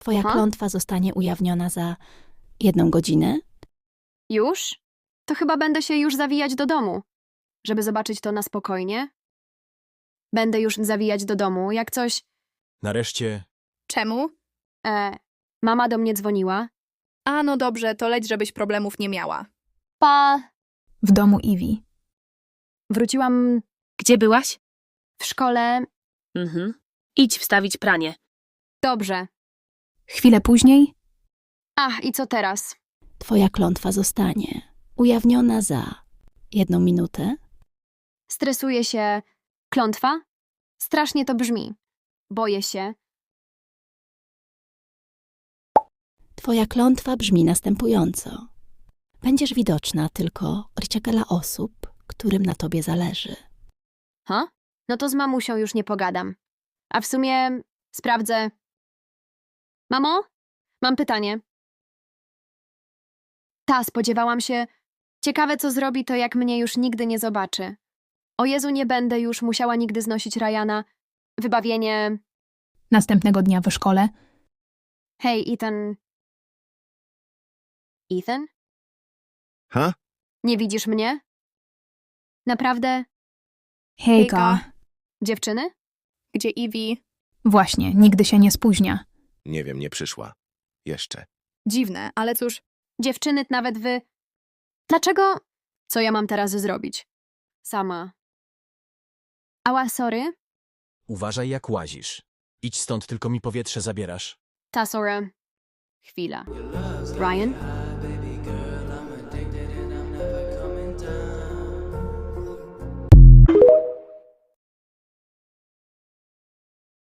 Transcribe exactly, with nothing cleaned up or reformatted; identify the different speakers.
Speaker 1: Twoja
Speaker 2: Aha.
Speaker 1: klątwa zostanie ujawniona za jedną godzinę.
Speaker 2: Już? To chyba będę się już zawijać do domu, żeby zobaczyć to na spokojnie. Będę już zawijać do domu, jak coś...
Speaker 3: Nareszcie
Speaker 4: Czemu?
Speaker 2: E, mama do mnie dzwoniła.
Speaker 4: A, no dobrze, to leć, żebyś problemów nie miała.
Speaker 2: Pa!
Speaker 5: W domu Iwi.
Speaker 2: Wróciłam
Speaker 6: Gdzie byłaś?
Speaker 2: w szkole.
Speaker 6: Mhm. Idź wstawić pranie.
Speaker 2: Dobrze.
Speaker 5: Chwilę później
Speaker 2: Ach, i co teraz?
Speaker 1: Twoja klątwa zostanie ujawniona za jedną minutę.
Speaker 2: Stresuję się. Klątwa? Strasznie to brzmi. Boję się.
Speaker 1: Twoja klątwa brzmi następująco. Będziesz widoczna tylko dla osób, którym na tobie zależy.
Speaker 2: Ha? No to z mamusią już nie pogadam. A w sumie sprawdzę. Mamo? Mam pytanie. Ta, spodziewałam się. Ciekawe, co zrobi to, jak mnie już nigdy nie zobaczy. O Jezu, nie będę już musiała nigdy znosić Ryana. Wybawienie.
Speaker 5: następnego dnia w szkole.
Speaker 2: Hej, Ethan. Ethan?
Speaker 7: Ha?
Speaker 2: Nie widzisz mnie? Naprawdę?
Speaker 5: Hejka.
Speaker 2: Dziewczyny?
Speaker 4: Gdzie Iwi?
Speaker 5: Właśnie, nigdy się nie spóźnia.
Speaker 7: Nie wiem, nie przyszła. Jeszcze.
Speaker 4: Dziwne, ale cóż,
Speaker 2: Dziewczyny, nawet wy. Dlaczego? Co ja mam teraz zrobić? Sama. Ała, sorry.
Speaker 3: uważaj jak łazisz. Idź stąd, tylko mi powietrze zabierasz.
Speaker 2: Ta, sorry. Chwila. Ryan?